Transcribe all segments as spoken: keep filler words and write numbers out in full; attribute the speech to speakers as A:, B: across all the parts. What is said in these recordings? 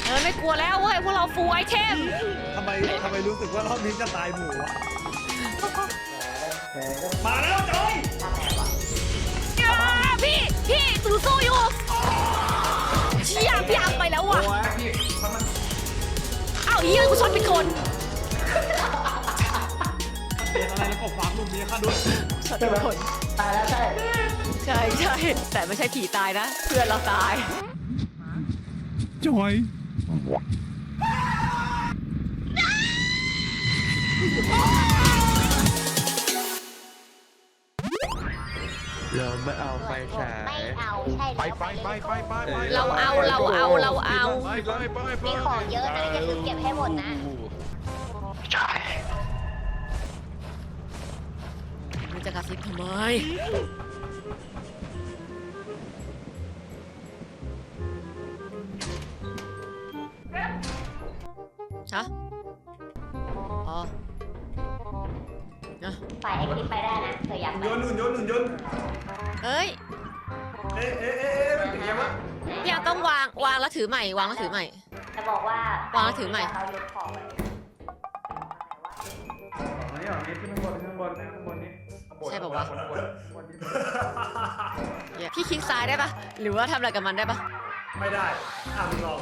A: เออไม่กลัวแล้วเว้ยพวกเราฟูลไอเทม
B: ทำไมทำไมรู้สึกว่ารอบนี้จะตายหมู่วะมาแล้วจอย
A: พี่พี่ตูสู้อยู่เชี่ยพี่อังไปแล้วว่ะอ้าวเฮียกูชนเป็นคน
B: เป็นอะไรแล้วก็ฟังลูกนี้ข้าด้วย
A: ชนเป็นคน
C: ตายแล้วใช่
A: ใช่ใช่แต่ไม่ใช่ผีตายนะเพื่อนเราตาย
B: จอย
D: เราไม่เอาไฟฉาย
E: ไม่เอาใช่
D: ไปไปไปไปไปไป
A: เราเอาเราเอาเราเอา
D: ไปไปไปไป
E: มีของเยอะนะอย่าลืมเก็บให้หมดนะ
D: ใช่
A: มันจะกระซิบทำไมฮะอ๋อนะ
E: ฝ่ายไอคลิปไปได้นะเธออยากไป
B: โยนหนุนโยนหนุนโยน
A: เอ้ย
B: เอ๊ะเอ๊ะเอ๊ะมันเป็นไงวะ
A: พี่ยังต้องวางวางแล้วถือใหม่วางแล้วถือใหม่
E: จะบอกว่าว
A: างแล้วถือใหม่
E: เขายกของไป
B: อันนี้อันนี้ขึ้นข้างบนข้างบนนะข้างบนนี้
A: ใช่ป่าวะพี่คลิกซ้ายได้ปะหรือว่าทำอะไรกับมันได้ปะ
B: ไม่ได้อ่ะมึงลอง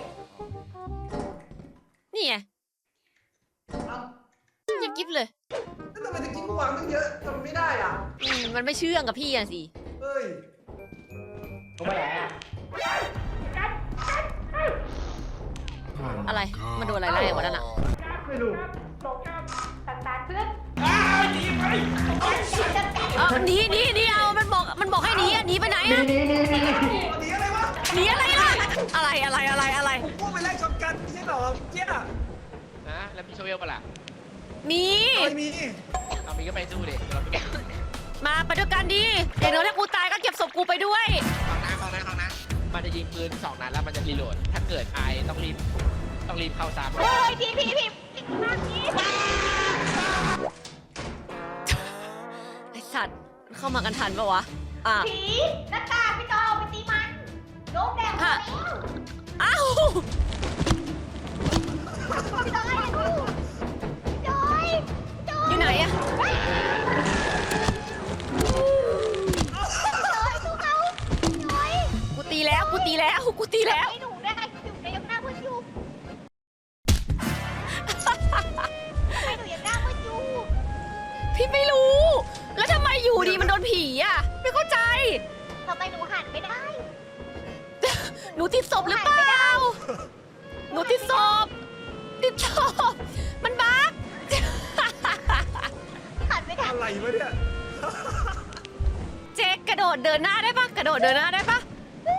A: นี่ไง
B: เอ้า
A: ยังกิ๊บเลย
B: แล้วทำไมตะกี้กูวางตั้งเยอะทำไม่ได้อ่ะ
A: อืมมันไม่เชื่องกับพี่อะสิ
B: เฮ้ย
C: กูไปไหนอ่ะ
A: อะไรมันโดนอะไรไล่วะนั่นอะ
B: ไม่รู้
E: สตาร์ทเพื่อน
B: อ้าวหนีไป
A: เอาหนีหนีหนีเอามันบอกมันบอกให้หนีอะหนีไปไหนอะ
C: นี่นี่นี่นี่
B: หนีอะไรวะ
A: หนีอะไรล่ะอะไรอะไรอะไรอะไร
B: ผมพูดไปแรกชนกันไม่ใช่หรอเจี๊ย
F: นะแล้วมีโชเวลปะล่ะ
A: มี
B: ไม่มี
F: เรามีก็ไปสู้ดิเราไม่ได้
A: มาไปด้วยกันดีเดี๋ยวถ้ากูตายก็เก็บศพกูไปด้วย
F: ฟังนะฟังนะฟังนะมันจะยิงปืนสองนัดแล้วมันจะรีโหลดถ้าเกิดไอต้องรีบต้องรีบเข้าซ้ำ
E: โอ้ยพี่พี่พี่มากนี้
A: ไอสัตว์เข้ามากันทันปะวะอ่ะ
E: ผีหน้ากากพี่จอยเอาไปตีมันโดนแดงหมดแล้ว
A: อ้าว
E: พี่จอยอย่าดูพี่จอยพี่จอย
A: อยู่ไหนอะ
E: พี่จอยสู้เขาพี่จอย
A: กูตีแล้วกูตีแล้วกูตีแล้ว
E: ไม่หนูได้อยู่ในยังหน้ามืดอยู่ทำไมหนูยังหน้ามืดอยู่
A: พี่ไม่รู้ แล้วทำไมอยู่ดีมันโดนผีอะไม่เข้าใจ
E: ทำไมหนูหันไม่ได้
A: หนูติดศพหรือเปล่า หนูติดศพ ติดศพ มันบั๊ก
E: หันไม่ได้
B: อะไรวะเนี่ย
A: เจ๊กระโดดเดินหน้าได้ปะกระโดดเดินหน้าได้ปะ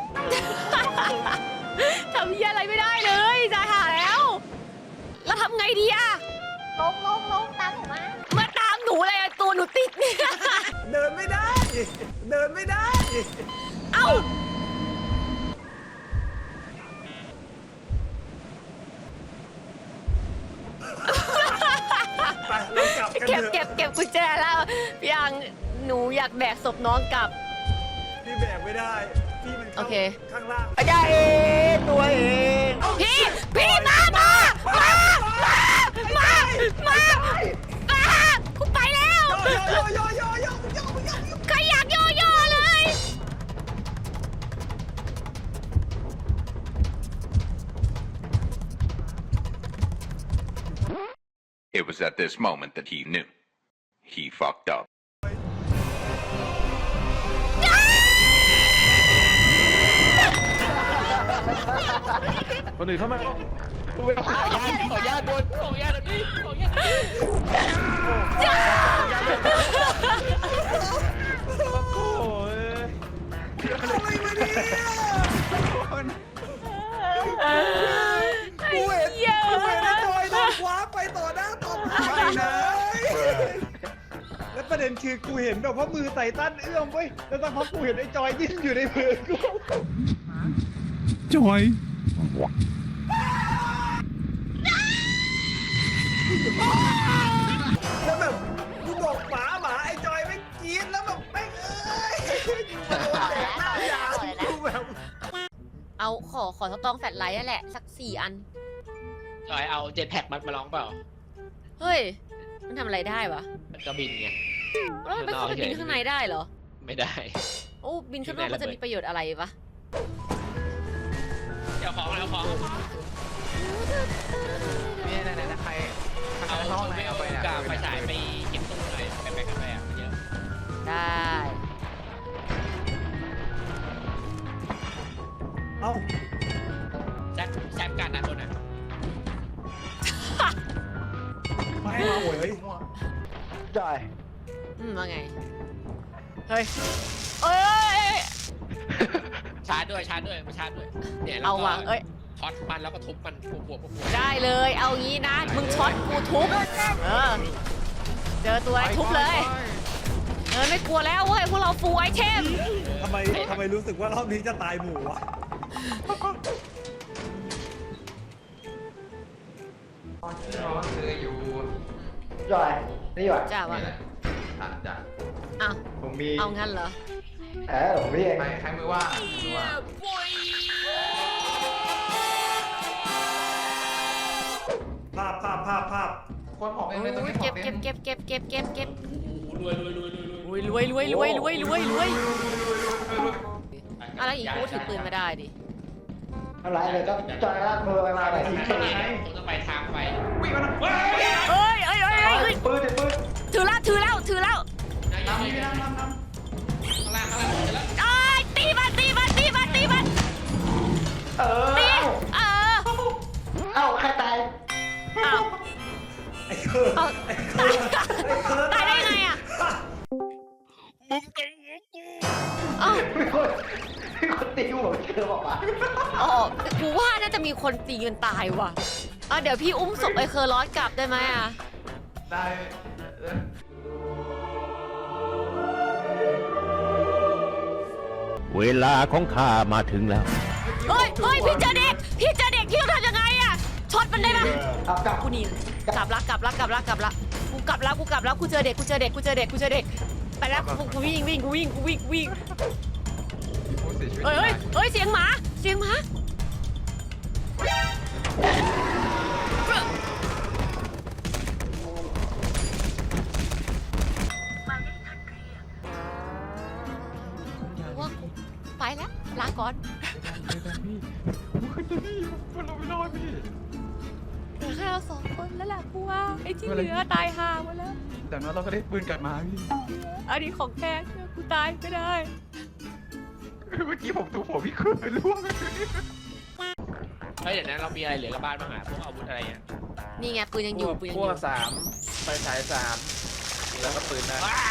A: ทำเหี้ยอะไรไม่ได้เลยจะหาแล้ว แล้วทำไงดีอะ
E: ลงลงลงตามหนูมา
A: มาตามหนูเลยอะตัวหนูติดเนี่ย
B: เดินไม่ได้ เดินไม่ได้
A: เอ้า
B: ไปเรากลับกัน
A: เก็บ
B: เถอะ
A: เก็บเก็บกุญแจแล้วพี่ยังหนูอยากแบกศพน้องกลับ
B: พี่แบกไม่ได้ พี่มัน
A: โอ
B: เข้า
A: เค
B: ข้างล่าง
C: อาจารย์เองตัวเอง
A: พี่ พี่มามามา มา มา มา มากูไปแล้ว
B: โยโยโยโยโยโยโยโย
A: ใครอยากโยโย่เลย
G: It was at this moment that he knew. He fucked up.
D: คนอื่นเข้ามา
F: ขออนุญาตขออนุญาตโดนขออนุญาตแบบนี้ขออนุญาตแบบนี้
D: โอ้ย
B: อะไรวะเนี่ยกูเห็น
A: เยอะ
B: กูเห็นไอ้จอยโดนคว้าไปต่อหน้าต่อตาเลยแล้วประเด็นคือกูเห็นแบบว่ามือไต่ตั้นเอื้อมเว้ยแล้วสักพักกูเห็นไอ้จอยดิ้นอยู่ในมือกูจอยแล้วแบบกูบอกหมาหมาไอ้จอยไม่กรี๊ดแล้วแบบไม่งเอ้ยมาโดนแดกหน้าอย่างกูแบบ
A: เอาขอขอสตองแฟลชไลท์นั่นแหละสักสี่อัน
F: จอยเอาเจ็ตแพ็กมามาลองเปล่า
A: เฮ้ยมันทำอะไรได้วะ
F: มันก็บินไง
A: แล้วมันไปเข้าไปบินข้างในได้เหรอ
F: ไม่ได้
A: โอ้บินข้างนอกมันจะมีประโยชน์อะไรปะ
F: เดี๋ยวของเอาของ
C: นี่ไหนๆนะใคร
F: เอา
C: ห้อง
F: ชุด
C: ไหน
F: เวล
C: เอาไปเนี่ย
F: กับไฟฉายไปเก็บตู้หน่อยไปไปกันไปอ่ะเยอะ
A: ได้
B: เอ้า
F: แซฟแซฟการด้านบนอ่ะ
B: ไม่ให้มาโวยเฮ้ย
C: จอย
A: อืมว่าไงเฮ้ยเอ้ย
F: ชาร์จด้วยชาร์จด้วยมาชาร์จด้วยเนี่ยแล้ว
A: เอา
F: ก็
A: ว่ะเอ้ย
F: ช็อตมันแล้วก็ทุบมันปวดปวดปวด
A: ได้เลยเอางี้นะมึงช็อตกูทุบเออเจอตัวไอ้ทุบเลยเออไม่กลัวแล้วเว้ยพวกเราฟูลไอเทม
B: ทำไมทำไมรู้สึกว่ารอบนี้จะตายหมู่วะ
C: คืออยู่จอยนี่ว่ะ
A: จ้าวะ
C: อ่ะจ้ะ
A: อ้าว
C: ผมมี
A: เอางั้นเหรอ
C: เออผมมีเองใครมือว่างมือว่าง
B: ภาพภาพภาพภาพ
C: คนผมเองเลยตรงนี้
A: เก็บเก็บเก็บเก็บเก็บเก็บเก็บ
F: รวยรวยรวยรวยรวย
A: รวยรวยรวยรวยรวยรวยอะไรอีกกูถือปืนมาได้ดิ
C: อะไรเลยก็จอยลากมือไปมาหน่อยสิ
F: ผมจะไปทางไป
C: วิ่งมาหน่อย
A: เอ้ยเอ้ยเอ้ยเอ้ย
C: ปืนปืน
A: ถือแล้วถือแล้วถือแล้ว
F: น้ำน้ำน้ำน้ำข้างล่างข้างล่างเสร็จแล้ว
A: เอ้ยตีมันตีมันตีมันตีมัน
C: เออ
A: ตีเออ
C: เอ้าใครตาย
A: อ้าว
B: ไอ้เคิร์
A: เอา
B: ไอ้เคิร์
A: ตายตายได้ไงอ่ะอ้าว
C: มีคนมีคนตีหัวเจอบอกว่า
A: อ๋อกูว่าน่าจะมีคนตีกันตายว่ะอ่ะเดี๋ยวพี่อุ้มศพไอ้เคอร์ลอสกลับได้ไหมอ่ะ
C: ได้
H: เวลาของข้ามาถึงแล้ว
A: เฮ้ยเฮ้ยพี่เจอเด็กพี่เจอเด็กพี่ต้องทำยังไงอ่ะช็อตมันได้ไหม
C: เอากลับ
A: กูหนีกลับละกลับละกลับละกลับละกูกลับละกูกลับละกูเจอเด็กกูเจอเด็กกูเจอเด็กกูเจอเด็กไปแล้วกูกูวิ่งวิ่งกูวิ่งกูวิ่งกูวิ่งเฮ้ยเฮ้ยเฮ้ยเสียงหมาเสียงหมาว่ากูไปแล้วลาก่อนเหลือแค่เราสองคนแล้วแหละกูว่าไอ้ที่เหลือตายห่าหมดแล้ว
D: แต่นั้นเราก็ได้ปืนกลับมาพี่
A: อันนี้ของแท้กูตายไม่ได้
D: เมื่อกี้ผมถูกผมพี่คืนไปล่วง
F: เฮ้ยเดี๋ยวนั้นเรามีอะไรเหลือกับบ้านบ้างอ่ะพวกอาวุธอะไรอ่ะ
A: นี่ไงปืนยังอยู่ปืนยัง
D: พ
A: อ
D: ว
A: ยู่
D: กสามไฟฉายสามแล้วก็ปืนนะ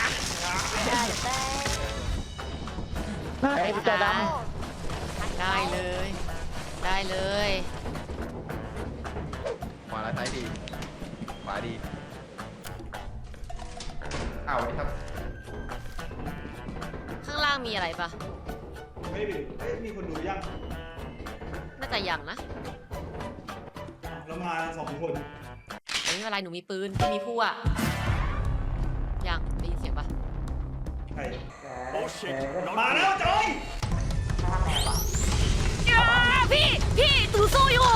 C: ไอ้จอยด
A: ได้เลย ได้เลย
C: ำขวาและซ้ายดีขวาดีอ้าวสวัสดีครับ
A: ข้างล่างมีอะไรปะ
B: ไม่ดิเอ้ยมีคนดูยัง
A: น่าจะยังนะ
B: เรามาสองคน
A: ไม่เป็นไรหนูมีปืนพี่มีผู้อะยังได้ยินเสียงปะ
B: ใครมาแล้วจอย
A: อ้าพี่พี่ตูสู้อยู่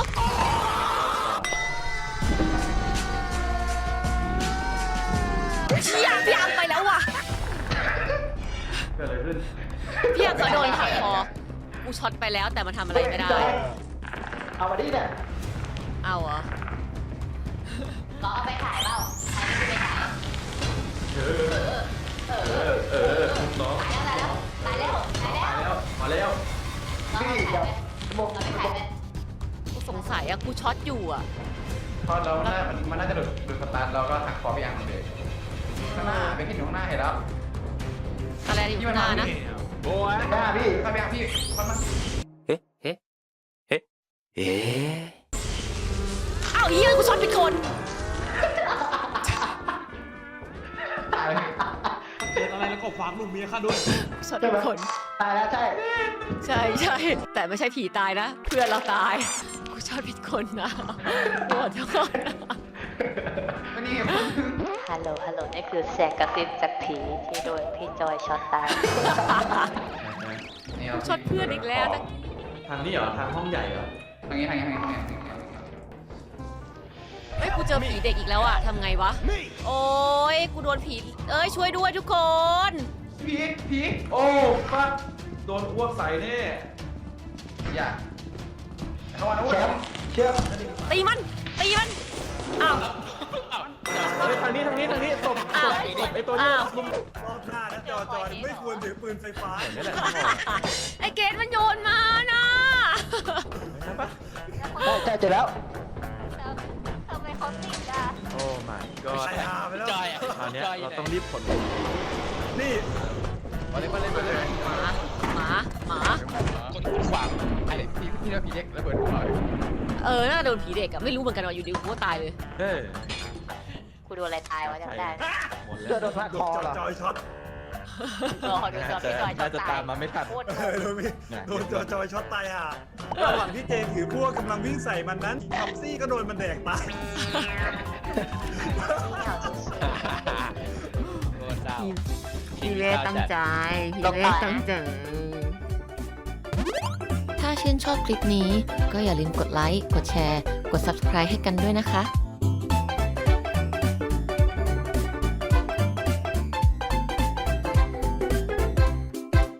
A: เชี่ยพี่อังไปแล้วว่ะ
C: เกิดอะไรขึ้น
A: พี่อังก็โดนถักคอกูช็อตไปแล้วแต่มันทำอะไรไม่ได้
C: เอามาดิเนี่ย
A: เอาเหรอ
E: ก็เอาไปขายเปล่าขายไม่ไปขาย
C: เออเออเออน้อง
E: ขายแล้วขายแล้วขายแล้ว
C: มาแล้วมาแล้วพี่เดี๋ยวบอก
E: เอาไปขายไป
A: กูสงสัยอะกูช็อตอยู่อะ
C: พอเราหน้ามันมันน่าจะหลุดหลุดสตาร์ทเราก็หักคอพี่อังเลยข้างหน้าเป็นที่อยู่ข้างหน้าเห็นแล้ว
A: อะไรอยู่ข้างหน้านะ
D: โอ้ย
C: หน้าพี่ข้าพี่อังพี่มันมัน
H: เอ๊ะเอ๊ะเอ๊ะเอ๊ะ
A: อ้าวเฮียกูช็อตผิดคน
C: ตายเลย
B: เกิดอะไรแล้วก็ฝากลูกเมียข้าด้วย
A: ช็อตผิดคน
C: ตายแล้วใช่
A: ใช่ใช่แต่ไม่ใช่ผีตายนะ เพื่อนเราตายกูช็อตผิดคนนะขอโทษนะ
C: ก็นี่
E: ฮัลโหลฮัลโหลนี่คือเสียงกระซิบจากผีที่โดนพี่จอยช็อตตาย
A: กูช็อตเพื่อนอีกแล้วนะ
B: ท
D: ทางนี้เหรอ ทางห้องใหญ่เหรอ
C: ทางนี้ทางนี้ทางนี้ทางนี้
A: เฮ้ยกูเจอผีเด็กอีกแล้วอะทำไงวะ โอ้ยกูโดนผีเอ้ยช่วยด้วยทุกคน
C: ผีผี
D: โอ้ฟักโดนอ้วกใส่แน่
C: อย่าเข้ามานะเว้ย
A: ตีมันตีมันอ้าว
D: เฮ้ยทางนี้ทางนี้ทางนี้ตบ
A: อ้าว
D: ตบไอ้ตัวนี้
A: อ้าว
D: ลุม
B: รอบหน้านะจอจอยไม่ควรถือปืนไฟฟ้า
D: นี่แหละ
A: ไอเกดมันโยนมานะ
D: ใช่ปะ
E: ใช่เจอแล้วทำไมเขาติดอ่ะ
D: โอ้ my god
B: ใส่หาไปแล้ว
F: จอยอ่ะ
D: คราวเนี้ย
F: จอย
D: เรา
F: ไหน
D: ต้องรีบขน
B: นี่
C: มาเลยมาเลยมาเลย
A: หมาหมาหมา
F: คนคุ้นขวาง
C: ไอ้พี่พี่เราพี่เล็กระเบิดหัว
A: เออน่าโดนผีเด็กอะไม่รู้เหมือนกันว่าอยู่ดีกูก็ตายเลย
D: เฮ้ย
E: กูโดนอะไรตายวะจำได้
D: หมดแล้ว
B: โดนคอเหรอจอยช็อต
E: รอดูจอพี่จอยจอ
D: น่าจะ
E: ตา
D: ตาย มมาไม่ทัน
E: โคตร
B: เออโดนมีโดนจอจอยช็อตตายอ่ะระหว่างที่เจนถือพวกกำลังวิ่งใส่มันนั้นทับซี่ก็โดนมันแดกตาย
F: โดนดาว
A: พี่เล่ตั้งใจพี่เล่ตั้งใจ ถ้าชื่นชอบคลิปนี้ก็อย่าลืมกดไลค์ กดแชร์ กด ซับสไครบ์ ให้กันด้วยนะคะ